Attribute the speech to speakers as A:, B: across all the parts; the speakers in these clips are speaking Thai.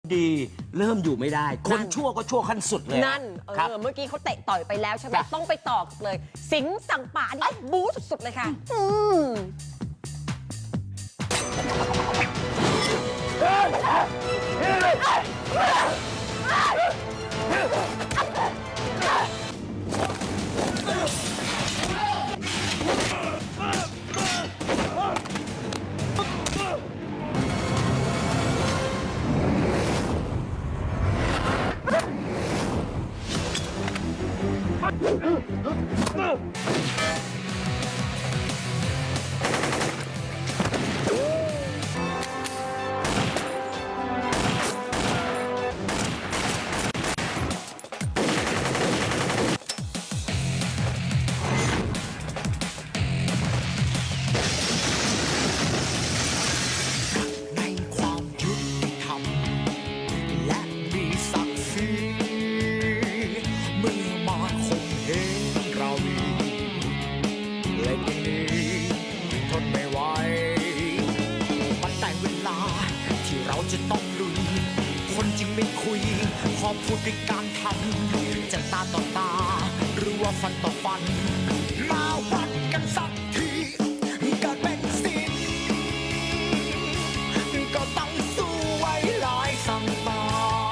A: ดีเริ่มอยู่ไม่ได้คนชั่วก็ชั่วขั้นสุดเลย
B: นั่นเมื่อกี้เขาเตะต่อยไปแล้วใช่ไหมต้องไปต่อเลย สิงห์สั่งป่านี่บู๊สุดๆเลยค่ะ
C: จะต้องลุยคนจริงไม่คุยขอพูดด้วยการทำจะตาต่อตาหรือว่าฟันต่อฟันมาวัดกันสักทีเกิดเป็นศิลป์ก็ต้องสู้ไว้ลายสั่งตา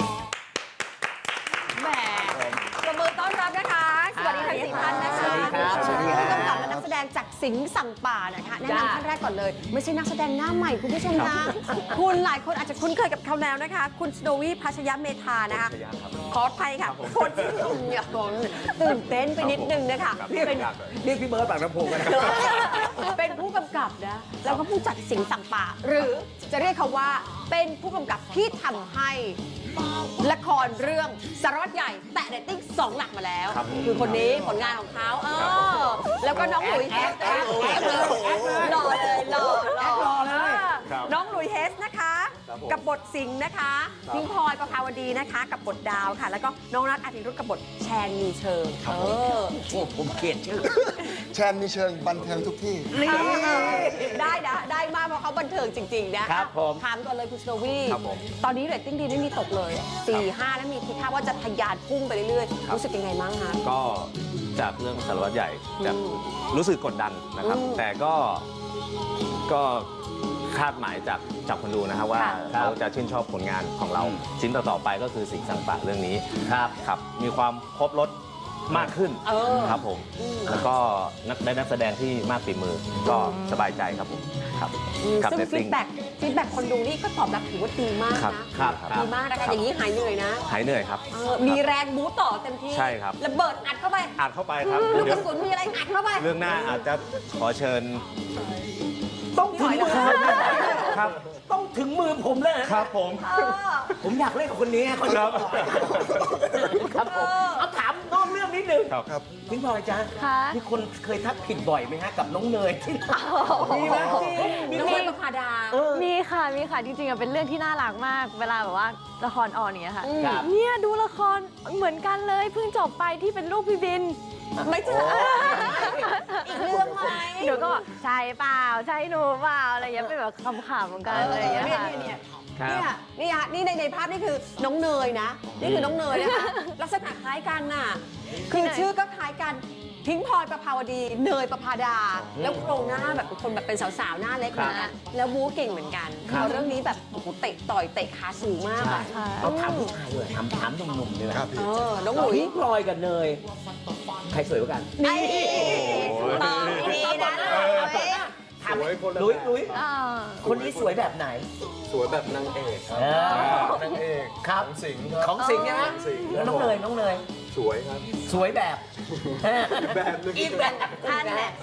B: แหมประมือต้อนรับนะคะสวัสดีทั้ง4ท่านนะคะ
A: สวัสดีครับ
B: ผู้กำกับและนักแสดงจากสิงห์สั่งป่านะคะแนะนำท่านแรกก่อนเลยไม่ใช่นักแสดงหน้าใหม่คุณผู้ชมนะคุณหลายคนอาจจะคุ้นเคยกับเขาแล้วนะคะคุณสโนวี่พัชยเมธานะคะขออภัยค่ะคนที่ตื่นเต้นไปนิดนึงนะคะ
A: เรียกพี่เบิร์ดปากน้ำโพกันนะ
B: เป็นผู้กำกับนะแล้วก็ผู้จัดสิงห์สั่งป่าหรือจะเรียกเขาว่าเป็นผู้กำกับที่ทำให้ละครเรื่องสารวัตรใหญ่แตะเรตติ้ง2 หลักมาแล้วคือคนนี้ผลงานของเขาแล้วก็น้องหลุยเฮสหล่อเลยหล่อเลยน้องหลุยเฮสนะคะกับบทสิงห์นะคะพิงพลอยประภาวดีนะคะกับบทดาวค่ะแล้วก็น้องนัทอาทิรุธกับบทแชนมีเชิง
A: ผมเกลียดชื่อ
D: แชนมีเชิงบันเทิงทุกที่
B: ได้นะได้มากเพราะเขาบันเทิงจริงๆนะครับผมถามก่อนเลยคุณสโนวี่ตอนนี้เรตติ้งดีไม่มีตกเลย4-5แล้วมีทีท่าว่าจะทะยานพุ่งไปเรื่อยๆรู้สึกยังไงบ้างคะ
E: ก็จากเรื่องสารวัตรใหญ่จะรู้สึกกดดันนะครับแต่ก็คาดหมายจากคนดูนะครับว่าเขาจะชื่นชอบผลงานของเราชิ้นต่อๆไปก็คือสิงห์สั่งป่าเรื่องนี้ครับมีความครบรสมากขึ้นครับผมแล้วก็นักแสดงที่มากฝีมือก็สบายใจครับผมครับ
B: ซึ่งฟีดแบ็กคนดูนี่ก็ตอบรับถือว่าดีมากนะดีมากนะคะอย่างนี้หายเหนื่อยนะ
E: หายเหนื่อยครับ
B: มีแรงบู๊ต่อเต็มที่
E: ใช่ครับ
B: ระเบิดอัดเข้าไป
E: ครับ
B: ลูกกระสุนมีอะไรอัดเข้าไป
E: เรื่องหน้าอาจจะขอเชิญ
A: ต้องถึงมือครับต้องถึงมือผมเลย
E: ครับ
A: ผมอยากเล่นกับคนนี้คนนี้ครับผมเอาถามนอกเรื่องนิดนึง
E: ครับ
A: พิงพลอยจ้ามีคนเคยทักผิดบ่อยไหมฮะกับน้องเนยที่มีไหม
B: น้องเนยประภาดา
F: มีค่ะจริงๆเป็นเรื่องที่น่ารักมากเวลาแบบว่าละครออนเนี่ยค่ะเนี่ยดูละครเหมือนกันเลยเพิ่งจบไปที่เป็นลูกพี่บิน
B: ไม่ใช่อีกเรื่องไหม
F: หนูก็ใช่เปล่าใช่หนูเปล่าอะไรอย่างเงี้ยเป็นแบบคำๆเหมือนกันอะไรอย่างเงี้ย
B: นี่ในภาพนี่คือน้องเนยนะนี่คือน้องเนยนะคะลักษณะคล้ายกันน่ะคือชื่อก็คล้ายกันพิงพลอยประภาวดีเนยประภาดาแล้วโครงหน้าแบบคนแบบเป็นสาวๆหน้าเล็กนะแล้วบู๊เก่งเหมือนกันเรื่องนี้แบบเตะต่อยเตะขาสูงมาก
A: เราถามผู้ชายเลยถามหนุ่มๆเลยนะ
B: น้องหลุย
A: พิงพลอยกับเนยใครสวยกว่ากัน
B: นี่ตอบดีนะ
A: ถามหลุยคนนี้สวยแบบไหน
D: สวยแบบนางเอกครับนางเอก
A: ครับของสิงห์นะแล้วน้องเนย
D: สวยครับ
A: สวยแบบ
B: อีกแบบอันแหละ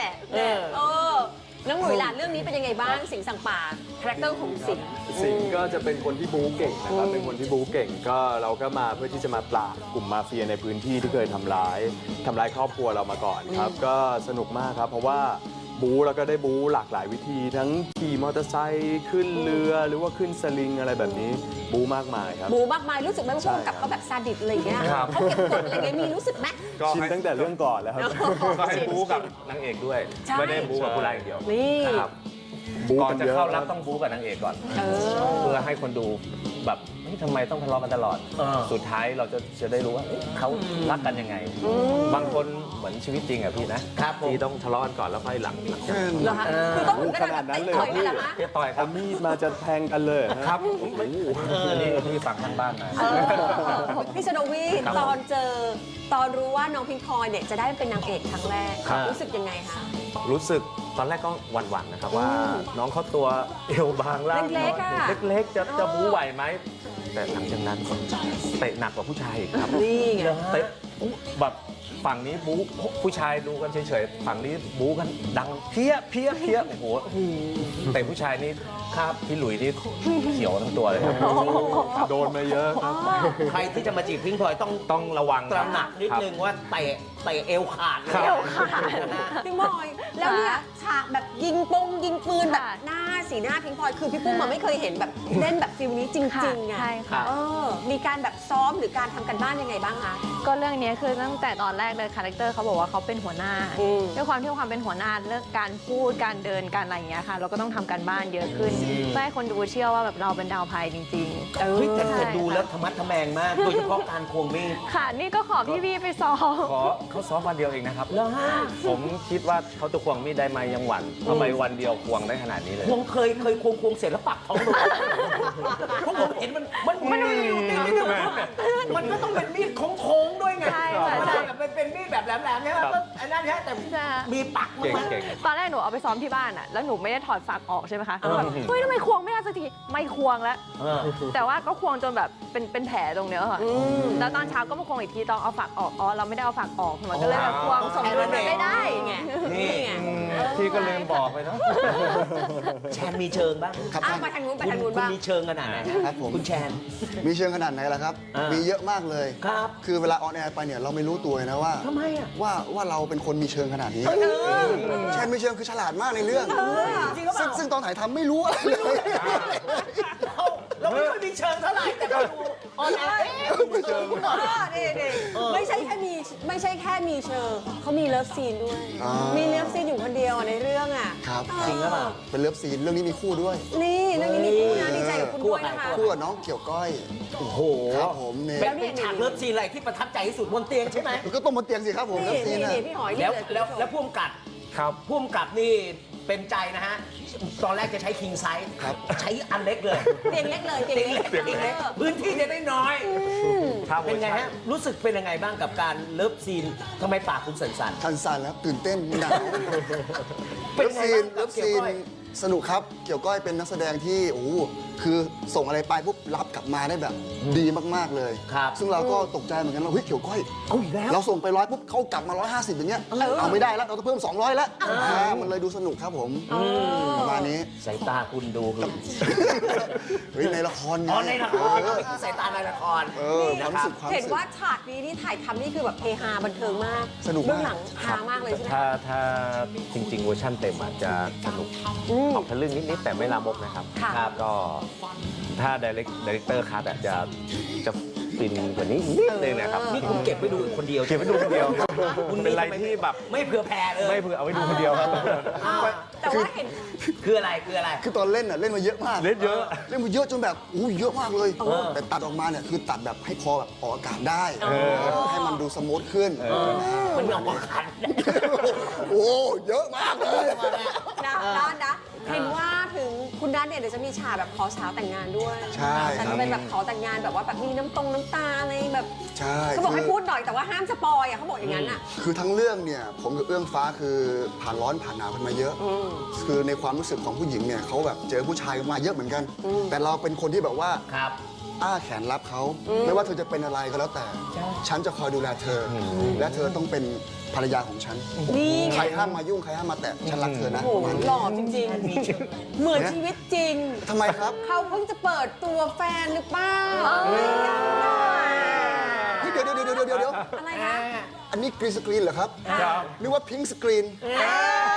B: น้องหลุยหลานเรื่องนี้เป็นยังไงบ้างสิงห์สั่งป่าคาแรคเตอร์ของสิง
D: ห์ก็จะเป็นคนที่บู๊เก่งนะครับเป็นคนที่บู๊เก่งก็เราก็มาเพื่อที่จะมาปราบกลุ่มมาเฟียในพื้นที่ที่เคยทำร้ายครอบครัวเรามาก่อนครับก็สนุกมากครับเพราะว่าบู๊แล้วก็ได้บู๊หลากหลายวิธีทั้งขี่มอเตอร์ไซค์ขึ้นเรือหรือว่าขึ้นสลิงอะไรแบบนี้บู๊มากมายครับ
B: บู๊มากมายรู้สึกไหมว่าพวกกับเขาแบบซาดิสอะไรอย่างเงี้ยเขาเก็บกดอะไรเงี้ยมีรู้สึกไหม
D: ชินตั้งแต่เรื่องก่อนแล้วครับ
E: ก็ให้บู๊กับนางเอกด้วยไม่ได้บู๊กับผู้ร้ายเดียว
B: นี่
E: ก่อนจะเข้ารับต้องบู๊กับนางเอกก่อนเพื่อให้คนดูแบบเฮ้ยทำไมต้องทะเลาะกันตลอด สุดท้ายเราจะได้รู้ว่าเอ๊ะเขารักกันยังไง บางคนเหมือนชีวิตจริงอะพี่นะครับ
A: ผม
E: ที่ต้องทะเลาะกันก่อนแล้วค่อยหลังจาก
B: เหรอคะคือต้องถึง
D: ขนาดนั้นเลย
B: ต่อยเลยเหรอคะ
E: เรียบต่อยค
D: เอา
E: รับ
D: มีดมาจะแทงกันเลยฮะ
E: ครับนี่พี่ฟังข้างบ้านมา
B: พี่ชโนวี
E: ครับ
B: ตอนรู้ว่าน้องพิงพลอยเนี่ยจะได้เป็นนางเอกครั้งแรก
E: ครับ
B: รู้สึกยังไงคะ
E: รู้สึกตอนแรกก็หวั่นๆนะครับว่าน้องเขาตัวเอวบางล่าง
B: เล็กๆอะ
E: เล็กๆจะบู๊ไหวไหม แต่หลังจากนั้นเตะหนักกว่าผู้ชายอีกครับ
B: นี่ไง
E: เตะแบบฝั่งนี้บู๊ผู้ชายดูกันเฉยๆฝั่งนี้บู๊กันดังเพี้ยโอ้โหแต่ผู้ชายนี่ครับพี่หลุยนี่เขียวทั้งตัวเลยครับ
D: โดนมาเยอะครับ
A: ใครที่จะมาจีบพิงพลอยต้อง
E: ระวัง
A: ต
E: ค
A: ระ
E: บ
A: หนักนิดนึงว่าเตะเอวขาดเลย
E: ครับ
B: เอวขาด พิงพลอยแล้วเนี่ยฉากแบบยิงปืนแบบ
F: ค่ะ
B: หน้าสีหน้าพิงพลอยคือพี่ปุ้มมันไม่เคยเห็นแบบเล่นแบบฟิลนี้จริงๆไง
F: ใช่ค่ะ
B: มีการแบบซ้อมหรือการทำกันบ้านยังไงบ้างคะ
F: ก็เรื่องนี้คือตั้งแต่ตอนแรกเลยคาแรคเตอร์เขาบอกว่าเขาเป็นหัวหน้า
B: อืม
F: ด้วยความที่ความเป็นหัวหน้าเรื่องการพูดการเดินการอะไรอย่างเงี้ยค่ะ เราก็ต้องทำการบ้านเยอะขึ้นเพื่อให้คนดูเชื่อว่าแบบเราเป็นดาวพายจริงๆ
A: เฮ้ยแต่
F: ใช่
A: ดูแล้วธรรมะทแมงมาก โดยเฉพาะการควงมีด
F: ค่ะ นี่ก็ขอพี่ๆไปซ้อม
E: ขอเขาซ้อมวันเดียวเองนะครับ
A: แล้วฮะ
E: ผมคิดว่าเขาจะควงมีดได้ไหมยังหวั่นทำไมวันเดียวควงได้ขนาดนี้เลย
A: ควงเคยควงเสร็จแล้วปักท้องลงเพราะผมเห็นมันอยู่ติดนิดนึงมันก็ต้องเป็นมีดโค้งๆด้วยไง
F: ใช่ค่ะ
A: มันแบบเป็นมีดแบบแหลมๆใช่ไหมก็อันนั้นใช่แต่
F: ใช่
A: มีปักมั้
E: เก่ง
A: ย
E: เก่ง
F: ตอนแรกหนูเอาไปซ้อมที่บ้านอะแล้วหนูไม่ได้ถอดฝักออกใช่ไหมคะแบบเฮ้ยทำไมควงไม่ได้สักที ไม่ควงแล้ว แต่ว่าก็ควงจนแบบเป็นแผลตรงเนี้ยค่ะ แล้วตอนเช้าก็มาควงอีกทีตอนเอาฝักออก อ๋อ เราไม่ได้เอาฝักออก มันก็เลยแบบควงสมดุลมันไม่ได้ไง
A: นี่
B: ไง
E: พี่ก็ลืมบอกไปเนาะ
A: แชนมีเชิงบ้าง
G: ครับ
B: อ้าวมาทางนู้นไปทางนู้น
A: คุณ
B: บ้าง
A: มีเชิงขนาดไหน
G: ครับผม
A: คุณแชน
G: มีเชิงขนาดไหนล่ะครับ มีเยอะมากเลย
A: ครับ
G: คือเวลาออนแอร์ไปเนี่ยเราไม่รู้ตัวเลยนะว่า
A: ทำไมอ่ะ
G: ว่าเราเป็นคนมีเชิงขนาดนี้แชนมีเชิงคือฉลาดมากในเรื่อง
A: จริงหรือเปล่า
G: ซึ่งตอนถ่ายทำไม่รู้อะไรเลย
A: เราไม่ค่อยมีเชิงเท่าไหร่แต่ก็ดูออนแอร์มีเชิง
B: ไม่ใช่แค่มีเชิงเขามีเลิฟซีนด้วย
G: อ่ามี
B: มีเลิฟซีนอยู่คนเดียวอะในเรื่องอ่ะ
G: ครับ
A: จริงหรือเปล่า
G: เป็นเลิฟซีนเรื่องนี้มีคู่ด้วย
B: นี่เรื่องนี้มีคู่นะดีใจกับคุณด้วยนะคะ
G: คู่กับน้องเกี่ยวก้อย
A: โอ้โห
G: ครับผมเนี่ย
A: เป็นฉากเลิฟซีนอะไรที่ประทับใจที่สุดบนเตียงใช่ไหม
G: ก็ต้องบนเตียงสิครับผมเลิฟซีน
B: นี่
G: นะ
B: พี่หอย
A: แล้ว
B: นี่
A: แล้วพุ่มกับ
E: ครับ
A: พุ่มกับนี่เป็นใจนะฮะ ตอนแรกจะใช้คิงไซส์
G: ครับ
A: ใช้อันเล็กเลย
B: เตียงเล็กเลยเตียงเล็ก
A: เตียงเล็กพื้นที่จะได้น้อย
E: ถ้าเวอ
A: เป็น
E: ร์
A: ไง
E: ชัน
A: ฮะ รู้สึกเป็นยังไงบ้างกับการเลิฟซีนทำไมปากคุณสั่น
G: ทันสันแล้วตื่นเต้นหนาว
A: เป็
G: เลิ
A: น
G: ฟ
A: ไง
G: ซีน
A: บ้าง
G: เลิฟ
A: เกี่ยว
G: ซีน
A: ก้อย
G: สนุกครับ เกี่ยวก้อยเป็นนักแสดงที่โอ้โหคือส่งอะไรไปปุ๊บรับกลับมาได้แบบดีมากๆเลย
A: ครับ
G: ซึ่งเราก็ตกใจเหมือนกันว่าเฮ้ยเกี่ยวก้อย
A: ๆเอาอีกแล้ว
G: เราส่งไป100ปุ๊บเขากลับมา150อย่างเงี้ยเอาไม่ได้แล้วเราต้องเพิ่ม200แล้วมันเลยดูสนุกครับผมประมาณนี้
A: สายตาคุณดูคือ
G: เฮ้ยในละครไง
A: อ๋อในละคร
G: เออ
A: ไม่คือสายตาในละคร
G: ความรู้สึกความ
B: เห็น
G: รู้สึก
B: ว่าฉากนี้นี่ถ่ายทำนี่คือแบบเฮฮาบันเทิงมาก
G: สนุกมาก
B: เบื้องหลังฮามากเลยใช่ไหม
E: ถ้าจริง ๆ เวอร์ชันเต็มอาจจะสนุกออกทะลึ่งนิด ๆ แต่ไม่ลามกนะครับ
B: ค่ะ
E: ครับก็ถ้าดีเลกเตอร์คัทจะฟินกว่านี้นิดนึงนะครับ
A: นี่คุณเก็บไว้ดูคนเดียว
E: เก็บไว้ดูคนเดียวครับ
A: คุณ
E: เป็นอะไรที่แบบ
A: ไม่เผื่อแผ่เลย
E: ไม่เผื่อเอาไว้ดูคนเดียวครับ
B: อ้าวแต่ว่าเห็น
A: คืออะไรคืออะไร
G: คือตอนเล่นน่ะเล่นมาเยอะมาก
E: เล่นเยอะ
G: เล่นมาเยอะจนแบบอู้เยอะมากเลย แต่ตัดออกมาเนี่ยคือตัดแบบให้พอแบบออกอากาศได้ให้มันดูสมูทขึ้น
A: มันออกขัน
G: โอ้เยอะมากเลย
B: นะเห็นว่าถึงคุณนัทเนี่ยเดี๋ยวจะมีฉากแบบขอสาวแต่งงานด้วย
G: ใช่
B: แต่
G: ครั
B: จะ
G: บ
B: เป็นแบบขอแต่งงานแบบว่าแบบมีน้ำตาอะไรแบบ
G: ใช่
B: เขาบอกให้พูดหน่อยแต่ว่าห้ามสปอยอ่ะเขาบอกอย่างนั้นอ่ะ
G: คือทั้งเรื่องเนี่ยผมกับเอื้องฟ้าคือผ่านร้อนผ่านหนาวกันมาเยอะ คือในความรู้สึกของผู้หญิงเนี่ยเขาแบบเจอผู้ชายมาเยอะเหมือนกัน แต่เราเป็นคนที่แบบว่า
A: ครับ
G: อ้าแขนรับเขาไม่ว่าเธอจะเป็นอะไรก็แล้วแต่ ฉันจะคอยดูแลเธออและเธอต้องเป็นภรรยาของฉัน
B: นี่
G: ใครห้ามมายุ่งใครห้ามมาแตะฉันรักเธอนะ
B: โอ้
G: ประมาณนี้
B: หล่อจริงๆ เหมือนชีวิตจริง
G: ทำไมครับ
B: เขาเพิ่งจะเปิดตัวแฟนหรือเปล่า
G: เฮ้ยเดี๋ยว
B: อะไรนะ
G: อันนี้กรีนสกรีนเหรอครับ
E: ครับ
G: นึกว่าพิงค์สกรีน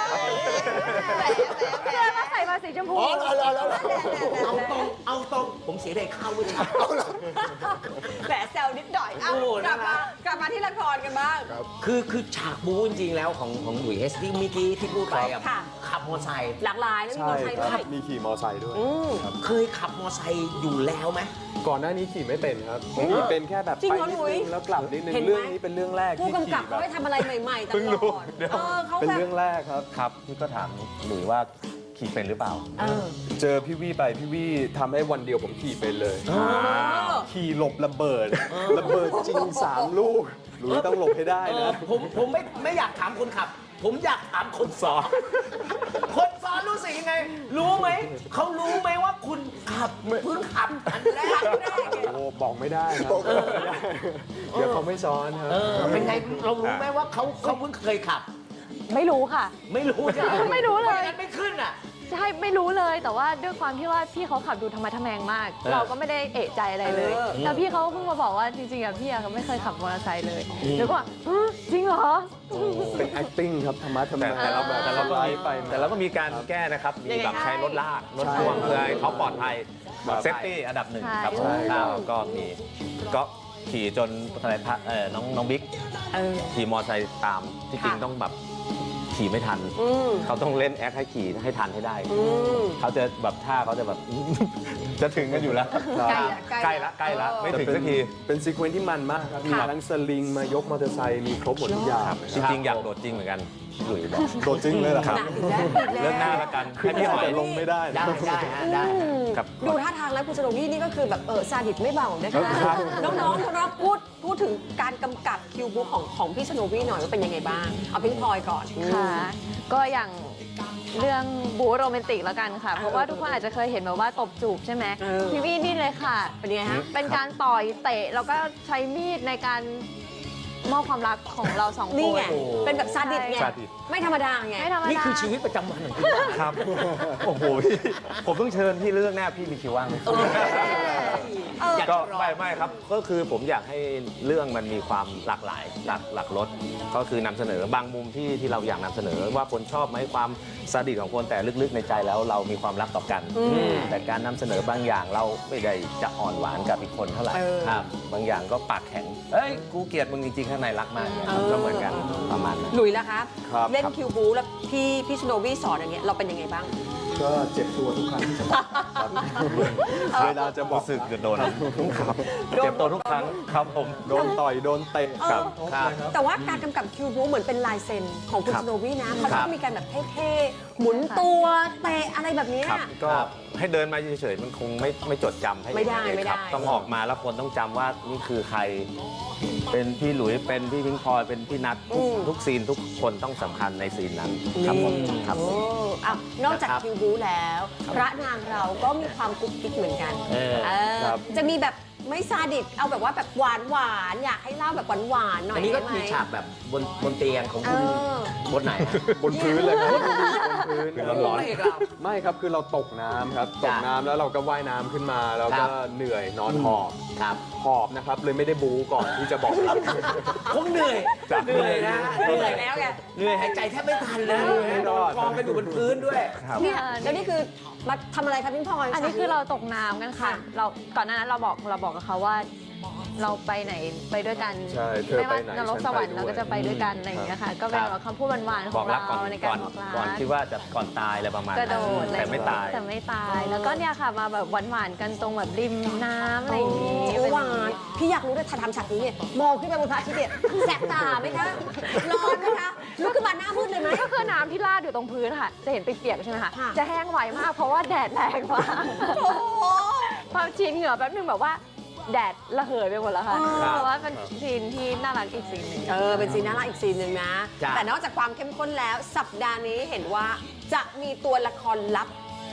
F: เสื้อก็ใส่มาสีชมพู
G: อ๋อแล้ว
A: เอาตรงผมเสียดายข้าวด้วยครับ
B: แหมแซวนิดหน่อยเอา
A: โอ้
B: กลับ
A: น่ารั
B: มาก ลับมาที่ละครกันบ้าง
A: คือฉากบู๊จริงๆแล้วของหลุยส์เฮสที่เมื่อกี้ที่พูดไปอะ
B: ค่ะ
A: ขับมอเตอร์ไซค์
B: หลากหลายแล้วมี
D: ใช่
B: มอเตอร์ไซค์
D: ค
B: ด้ว
D: รับ
B: ย
D: มีขี่มอไซค์ด้วย
A: เคยขับมอเตอร์ไซค์อยู่แล้วไหม
D: ก่อนหน้านี้ขี่ไม่เป็นครับขี่เป็นแค่แบบ
B: จริง
D: ไป
B: เหรอ
D: นิ
B: หลุ
D: ด
B: ย
D: นึงแล้วกลับนิดนึง
B: เห็นไหม
D: เรื่องนี้เป็นเรื่องแรก
B: ผู้
D: ที่
B: กำกับ
D: ขี่
B: เขา
D: แบบ
B: ให้ทำอะไรใหม่ๆต
D: เพิ่ง
B: ล
D: รู้
B: อด
D: เดี๋ยว
B: เขา
D: เป็น
B: แบบ
D: เรื่องแรกครับ
E: ครับพี่ก็ถามหลุยว่าขี่เป็นหรือเปล่า
D: เจอพี่วี่ไปพี่วี่ทำให้วันเดียวผมขี่เป็นเลย ขี่หลบระเบิด ระเบิดจริง 3 ลูกหลุยต้องหลบให้ได้นะ
A: ผมไม่อยากถามคนขับ ผมอยากถามคนสอนคนสอนรู้สึกยังไง รู้ไหมเขารู้ไหมว่าคุณขับเพิ่งขับอันแรก
D: โอ้บอกไม่ได้ครับบอกไม่ได้เดี๋ยวเขาไม่ซ้อนครับ
A: เป็นไงเรารู้ไหมว่าเขาเพิ่งเคยขับ
F: ไม่รู้ค่ะ
A: ไม่รู้ใช่ไหม
F: ไม่รู้เลย
A: ไม่งั้นไม่ขึ้นอ่ะ
F: ใช่ไม่รู้เลยแต่ว่าด้วยความที่ว่าพี่เขาขับดูธรรมะทแมงมาก เราก็ไม่ได้เอะใจอะไรเลยแล้วพี่เขาเพิ่งมาบอกว่าจริงๆอะพี่อะเขาไม่เคยขับมอเตอร์ไซค์เลยแล้วก็ว่าจริงเหรอ
D: เป็น acting ครับธรรมะธรรม
E: แต่เรา
D: แบบ
E: แต่เราก็
D: ไล
E: มี
D: ฟ์ไป
E: แต่เราก็มีการแก้นะครับ มีแบบใช้รถลากรถพ่วงเพื่อให้เขาปลอดภัย
D: ครับ
E: เซฟตี้อันดับหนึ่งครับ
F: ใช่
E: ก็มีก็ขี่จนอะไรน้องบิ๊กขี่มอเตอร์ไซค์ตามที่จริงต้องแบบขี่ไม่ทัน เขาต้องเล่นแอคให้ขี่ให้ทันให้ได้ เขาจะแบบท่าเขาจะแบบ จะถึงกันอยู่แล้ว
B: ใกล้ละ
E: ใกล้ละไม่ถึงสักที
D: เป็นซีเควนซ์ที่มันมากครับ มีทั้งสลิงมายกมอเตอร์ไซค์มีครบหมดทุกอย่าง
E: จริงๆอยากโดดจริงเหมือนกันหลุยบอก
D: โดดจริงเลยเหรอครับ
E: เรื่องหน้าละกัน
D: ขึ้
E: ให้
D: น
E: พี่หอย
D: แต่ลงไม่ได้
A: ได้ได้ฮะได้
E: กับ
B: ดูท่าทางแล้วคุณสโนวี่นี่ก็คือแบบซาดิสไม่เบานะคะ
D: ครับ
B: น้องๆพูดถึงการกำกับคิวบุ๊กของพี่สโนวี่หน่อยว่าเป็นยังไงบ้าง เอาพิงพลอยก่อน
F: ค่ะ ก็อย่างเรื่องบู๊โรแมนติกแล้วกันค่ะ เพราะว่าทุกคนอาจจะเคยเห็นแบบว่าตบจูบใช่ไหม
B: เออ
F: พี่วี่นี่เลยค่ะ
B: เป็นยังไงฮะ
F: เป็นการต่อยเตะแล้วก็ใช้มีดในการมอบความรักของเราสองคน
B: นี่ไง
A: โอ้
B: เป็นแบบซาดิสไง
E: ซาดิส
B: ไม่ธรรมดาไง
F: ไม่ธรรมดา
A: นี่คือชีวิตประจำวันของคุณ
E: ครับ โอ้โหพี่ผมต้องเชิญพี่เรื่องหน้าพี่มีคิวว่างไหม
A: อยาก
E: ก็
A: จะรอ
E: ไม่ครับก็คือผมอยากให้เรื่องมันมีความหลากหลายหลากรสก็คือนำเสนอบางมุมที่เราอยากนำเสนอว่าคนชอบไหมความซาดิสของคนแต่ลึกๆในใจแล้วเรามีความรักต่อกัน แต่การนำเสนอบางอย่างเราไม่ได้จะอ่อนหวานกับอีกคนเท่าไหร่ครับบางอย่างก็ปากแข็งเอ้ยกูเกลียดมึงจริงๆข้างในรักมากเนี่ยก็เหมือนกันประมาณนั้น
B: หลุยส์ล่ะคะ
D: ครับ
B: เล่นคิวบูแล้วพี่สโนวี่สอนอย่างเงี้ยเราเป็นยังไงบ้าง
D: ก็เจ็บตัวทุกครั้งที่จะบอกครับเวลาจะบอก
E: รู้สึกโดนครับเจ็บตัวทุกครั้งครับผม
D: โดนต่อยโดนเตะ
E: ครับ
B: แต่ว่าการกำกับคิวบูเหมือนเป็นลายเซ็นของคุณ
E: ครั
B: ส
E: บ
B: โนวี่นะเขา
E: ครั
B: ต้
E: บ
B: องมีการแบบเท่ๆหมุนตัวเตะอะไรแบบเนี้ย
E: ครับก็ให้เดินมาเฉยๆมันคงไม่จดจำให้
B: ไม่ได้
E: เห็นเลยครับ
B: ไม่ได้
E: ต้องออกมาแล้วคนต้องจำว่านี่คือใคร เป็นพี่หลุยเป็นพี่พิงพลอยเป็นพี่นัททุกซีนทุกคนต้องสำคัญในซีนนั้นครับผมครับผม
B: โอ้อ้าวนอกจาก
E: นะครับ
B: คิวบูแล้ว พระนางเราก็มีความกุ๊กกิ๊กเหมือนกัน
A: เออ
B: เออ
D: ครับ
B: จะมีแบบไม่ซาดิสเอาแบบว่าแบบหวานๆอยากให้เล่าแบบหวานๆหน่อย
A: อันนี้ก็
B: ได้ไหม
A: มีฉากแบบบนเตียงของ
B: เอ
A: คุณ
B: อ
A: บนไหนฮะ
D: บนพื้นเลยครับบนพื้น
E: ร้อน
A: พะเอกเรา
D: ไม่ครับคือเราตกน้ำครับต
A: จ้ะ
D: กน้ำแล้วเราก็ว่ายน้ำขึ้นมาแล้ว
A: ครั
D: ก็
A: บ
D: เหนื่อยนอนหอบ
A: ครับ
D: หอบนะครับเลยไม่ได้บูก่อนที่จะบอกครับ
A: คงเหนื่อยเหนื่อยนะ
B: เหนื่อยแล้วไง
A: เหนื่อยหายใจแทบไม่ทันเลย
D: ไม่รอด
A: กองกันอยู่บนพื้นด้วย
B: เนี่ยแล้วนี่คือมาทำอะไรคะพี่พลอย
F: อันนี้คือเราตกน้ำกันค่ะ เราก่อนหน้านั้นเราบอกกับเขาว่า เราไปไหนไปด้วยกัน
D: ใช่เธอ
F: ไม่ว่า
D: ไปไหน
F: นรกสวรรค์
D: ฉันไปด้วย
F: เราก็จะไปด้วยกันอะไรอย่างเงี้ยค่ะ ก็เป็นแบบคำพูดหวานๆข
E: บ
F: อ
E: อง กรักก่อน
F: เราในการบอกรั
E: ก่อน
F: ก
E: คิดว่าจะก่อนตายอะไรประมาณ
F: กระโด
E: นั้น
F: ด
E: แต่ไม่ตาย
F: แต่ไม่ตาย แล้วก็เนี่ยค่ะมาแบบหวานๆกันตรงแบบริมน้ำอะไรอย่างงี้
B: โอ้หวานพี่อยากรู้เลยถ้าทำฉากนี้เนี่ยมองขึ้นไปบนพระอาทิตย์เนี่ยแสบตาไหมคะร้อนไหมคะลุกขึ้นมาหน้ามืดเลยไหม
F: ก็คือน้ำที่ราดอยู่ตรงพื้นค่ะ จะเห็นเปียกๆใช่ไหมคะ
B: ค่ะ
F: จะแห้งไวมากเพราะว่าแดดแรงมาก
B: โอ้โห
F: พอชินเหงื่อแป๊บนึงแบบว่าแดดระเหยไปหมดแล้วค่ะ
B: ครับ
F: แต่ว่าเป็นซีนที่น่ารักอีกซีนหนึ่ง
B: เป็นซีนน่ารักอีกซีนหนึ่งนะ
A: จ้ะ
B: แต่นอกจากความเข้มข้นแล้ว สัปดาห์นี้เห็นว่าจะมีตัวละครลับ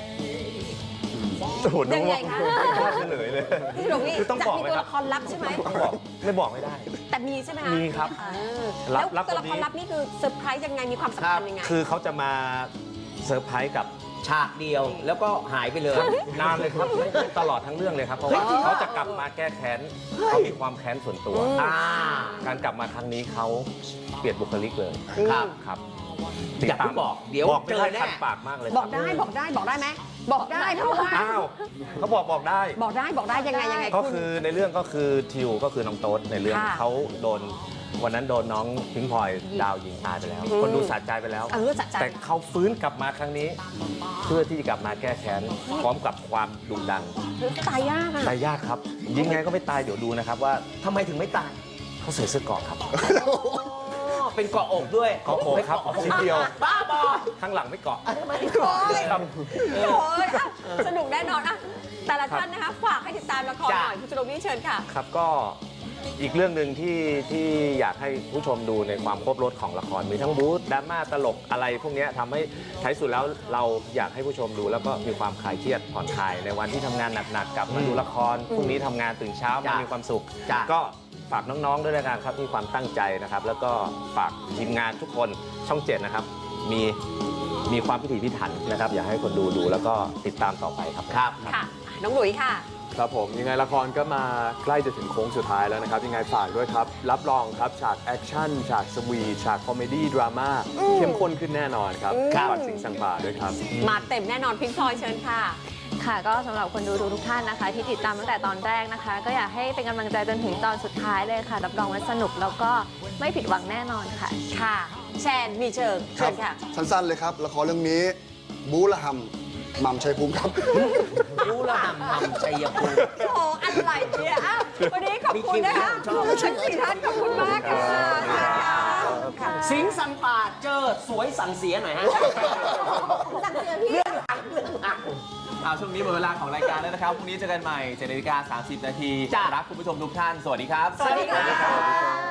E: โอ้โหน้
B: ยั
E: อง
B: งไงคะ
E: ไม่กล้าเฉลยเลย
B: พี่หลวงนี่
E: คือต้อง
B: จะ
E: บอก
B: มี
E: ไหม
B: ตัว
E: ครับ
B: ละครลับใช่ไหม
E: ต้องบอกไม่บอกไม่ได้
B: แต่มีใช่ไหมคะ
E: มีครับ
B: เออ
E: ลั
B: แล้
E: บ
B: ว
E: ลับ
B: ตัวละ
E: คน
B: ค
E: นี้
B: รลับนี่คือเซอร์ไพรส์ยังไงมีความสำคัญยังไง
E: คือเขาจะมาเซอร์ไพรส์กับ
A: ฉากเดียวแล้วก็หายไปเลย
E: นานเลยครับไม่ตลอดทั้งเรื่องเลยครับ เพราะว่าเขาจะกลับมาแก้แค้นเขามีความแค้นส่วนตัว การกลับมาครั้งนี้เขาเปลี่ยนบุคลิกเลย
A: ครับ
E: ครับ
A: อย่าเพิ่งบอกเดี๋ยว
E: บอกไม่
A: เจ
E: ได้
A: อแน่
E: คันปากมากเลย
B: บอกได้บอกได้บอกได้ไหมบอกได้เพราะว่า
E: อ้าวเขาบอกได้
B: บอกได้ยังไง
E: ก็
B: คุณ
E: คือในเรื่องก็คือทิวก็คือน้องโต๊ดในเรื่อง
B: ค่ะ
E: เขาโดนวันนั้นโดนน้องพิงพลอยดาวยิงตายไปแล้ว คนดูสะใจไปแล้ว
B: สะใจ
E: แต่เขาฟื้นกลับมาครั้งนี้ เพื่อที่จะกลับมาแก้แค้นพร้อมกับความดุดัน
B: ตายยากอะ
E: ตายยากครับ ยิงไงก็ไม่ตายเดี๋ยวดูนะครับว่า
A: ทำไมถึงไม่ตาย
E: เขาใส่เสื้อเกราะครับ
A: เป็นเกาะอกด้วย
E: เกาะอกครับชิ้นเดียว
A: บ้าบอ
E: ข้างหลังไม่เกาะ
B: โอ้ย
E: ครับ
B: โอ้ยอ่ะสนุกแน่นอนอ่ะแต่ละท่านนะคะฝากให้ติดตามละครหน่อยคุณจุลวิทย์เชิญค่ะ
E: ครับก็อีกเรื่องหนึ่งที่อยากให้ผู้ชมดูในความครบรสของละครมีทั้งบู๊ดราม่าตลกอะไรพวกเนี้ยทำให้ท้ายสุดแล้วเราอยากให้ผู้ชมดูแล้วก็มีความคลายเครียดผ่อนคลายในวันที่ทำงานหนักๆกลับมาดูละครพรุ่งนี้ทำงานตื่นเช้ามามีความสุข
A: จ้ะ
E: ก็ฝากน้องๆด้วยแล้วกันครับมีความตั้งใจนะครับ แล้วก็ฝากทีมงานทุกคนช่อง 7นะครับมีความพิถีพิถันนะครับ อยากให้คนดูแล้วก็ติดตามต่อไปครับ
A: ครับ
B: ค่ะ น้องหลุยค่ะ
D: ครับผมยังไงละครก็มาใกล้จะถึงโค้งสุดท้ายแล้วนะครับยังไงฝากด้วยครับ รับรองครับฉากแอคชั่นฉากสวีทฉากคอมเมดี้ดราม่าเข้มข้นขึ้นแน่นอนครับฝากสิงห์สังป่าด้วยครับ
B: มาเต็มแน่นอนพิงพลอยเชิญค่ะ
F: ค่ะก็สำหรับคนดูทุกท่านนะคะ ที่ติดตามตั้งแต่ตอนแรกนะคะ ก็อยากให้เป็นกำลังใจจนถึงตอนสุดท้ายเลยค่ะรับรองว่าสนุกแล้วก็ไม่ผิดหวังแน่นอนค่ะ
B: ค่ะ แชนมีเชิง
G: ค
B: เชิ
G: รับ
B: ญค่ะ
G: สั้นๆเลยครับ ละครเรื่องนี้ บู๊ละหำหม่ำชัยภูมิครับ
A: รู้ละหำหำชัยภูมิ
B: โอ้โหอะไรเนี่ยอ้าววันนี้ขอบคุณนะคะทั้งสี่ท่านขอบคุณมากค่ะค่ะ
A: สิงห์สังป่าเจอสวยสั่งเสียหน่อยฮะ
B: สั่งเสียพี่
A: เรื่องหลัง
H: เอาช่วงนี้หมดเวลาของรายการแล้วนะครับ พรุ่งนี้เจอกันใหม่7:30 น.
A: จ้ะ
H: รักคุณผู้ชมทุกท่าน สวัสดีครับ
B: สวัสดีค่ะ